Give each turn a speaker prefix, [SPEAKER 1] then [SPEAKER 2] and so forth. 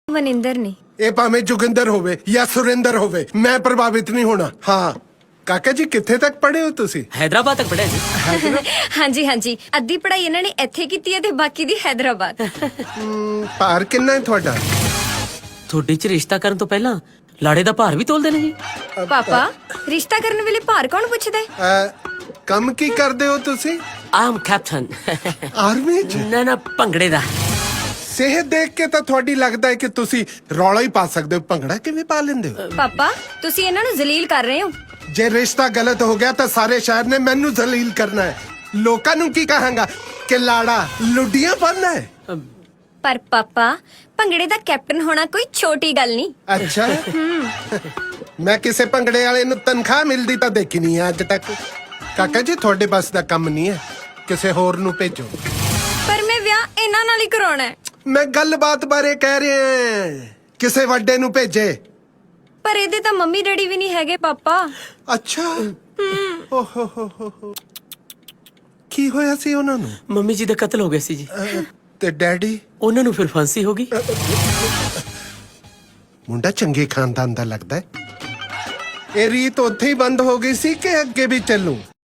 [SPEAKER 1] ਮਨਿੰਦਰ ਨੇ।
[SPEAKER 2] ਇਹ ਭਾਵੇਂ ਜੋਗਿੰਦਰ ਹੋਵੇ ਜਾਂ ਸੁਰਿੰਦਰ ਹੋਵੇ, ਮੈਂ ਪ੍ਰਭਾਵਿਤ ਨਹੀਂ ਹੋਣਾ। ਹਾਂ ਕਾਕਾ ਜੀ, ਕਿੱਥੇ ਤੱਕ ਪੜ੍ਹੇ ਹੋ ਤੁਸੀਂ?
[SPEAKER 3] हैदराबाद तक पढ़े जी।
[SPEAKER 1] ਹਾਂਜੀ ਹਾਂਜੀ, ਅੱਧੀ ਪੜ੍ਹਾਈ ਇਹਨਾਂ ਨੇ ਇੱਥੇ ਕੀਤੀ ਹੈ ਤੇ ਬਾਕੀ ਦੀ ਹੈਦਰਾਬਾਦ।
[SPEAKER 2] ਭਾਰ ਕਿੰਨਾ ਹੈ ਤੁਹਾਡਾ?
[SPEAKER 3] ਤੁਹਾਡੇ ਚ ਰਿਸ਼ਤਾ ਕਰਨ ਤੋਂ ਪਹਿਲਾਂ ਲਾੜੇ ਦਾ ਭਾਰ ਵੀ ਤੋਲਦੇ ਨੇ ਜੀ।
[SPEAKER 1] ਪਾਪਾ, ਰਿਸ਼ਤਾ ਕਰਨ ਵੇਲੇ ਭਾਰ ਕੌਣ ਪੁੱਛਦਾ ਹੈ?
[SPEAKER 2] ਕੰਮ ਕੀ ਕਰਦੇ ਹੋ ਤੁਸੀਂ?
[SPEAKER 3] ਆਮ ਕੈਪਟਨ।
[SPEAKER 2] ਆਰਮੀ ਚ?
[SPEAKER 3] ਨਾ ਭੰਗੜੇ ਦਾ।
[SPEAKER 2] ਸਿਹਤ ਦੇਖ ਕੇ ਤਾਂ ਤੁਹਾਡੀ ਲੱਗਦਾ ਹੈ ਕਿ ਤੁਸੀਂ ਰੌਲਾ ਹੀ ਪਾ ਸਕਦੇ ਹੋ। ਭੰਗੜਾ ਕਿਵੇਂ ਪਾ ਲੈਂਦੇ ਹੋ?
[SPEAKER 1] ਪਾਪਾ, ਤੁਸੀਂ ਇਹਨਾਂ ਨੂੰ ਜ਼ਲੀਲ ਕਰ ਰਹੇ ਹੋ।
[SPEAKER 2] ਜੇ ਰਿਸ਼ਤਾ ਗਲਤ ਹੋ ਗਿਆ ਤਾਂ ਸਾਰੇ ਸ਼ਹਿਰ ਨੇ ਮੈਨੂੰ ਜ਼ਲੀਲ ਕਰਨਾ ਹੈ। ਲੋਕਾਂ ਨੂੰ ਕੀ ਕਹਾਂਗਾ ਕਿ ਲਾੜਾ ਲੁੱਡੀਆਂ ਬਣਨਾ ਹੈ।
[SPEAKER 1] ਪਰ ਪਾਪਾ, ਭੰਗੜੇ ਦਾ ਕੈਪਟਨ ਹੋਣਾ ਕੋਈ ਛੋਟੀ ਗੱਲ ਨਹੀਂ।
[SPEAKER 2] ਅੱਛਾ। ਮੈਂ ਕਿਸੇ ਭੰਗੜੇ ਵਾਲੇ ਨੂੰ ਤਨਖਾਹ ਮਿਲਦੀ ਤਾਂ ਦੇਖੀ ਨਹੀਂ ਹੈ ਅੱਜ ਤੱਕ। ਕਾਕਾ ਜੀ, ਤੁਹਾਡੇ ਬਸ ਦਾ ਕੰਮ ਨਹੀਂ ਹੈ, ਕਿਸੇ ਹੋਰ ਨੂੰ ਭੇਜੋ।
[SPEAKER 1] ਪਰ ਮੈਂ ਵਿਆਹ ਇਹਨਾਂ ਨਾਲ ਹੀ ਕਰਾਉਣਾ ਹੈ।
[SPEAKER 2] ਮੈਂ ਗੱਲਬਾਤ ਬਾਰੇ ਕਹਿ ਰਿਹਾ, ਕਿਸੇ ਵੱਡੇ ਨੂੰ ਭੇਜੇ।
[SPEAKER 1] ਪਰ ਇਹਦੇ ਤਾਂ ਮੰਮੀ ਡੈਡੀ ਵੀ ਨਹੀਂ ਹੈਗੇ ਪਾਪਾ।
[SPEAKER 2] ਅੱਛਾ। ਓਹੋ ਕੀ ਹੋਇਆ ਸੀ ਉਹਨਾਂ ਨੂੰ?
[SPEAKER 3] ਮੰਮੀ ਜੀ ਦਾ ਕਤਲ ਹੋ ਗਿਆ ਸੀ ਜੀ।
[SPEAKER 2] ਤੇ ਡੈਡੀ?
[SPEAKER 3] ਉਹਨਾਂ ਨੂੰ ਫਿਰ ਫਾਂਸੀ ਹੋ ਗਈ।
[SPEAKER 2] ਮੁੰਡਾ ਚੰਗੇ ਖਾਨਦਾਨ ਦਾ ਲੱਗਦਾ ਹੈ। ਇਹ ਰੀਤ ਉੱਥੇ ਹੀ ਬੰਦ ਹੋ ਗਈ ਸੀ ਕਿ ਅੱਗੇ ਵੀ ਚੱਲੂ?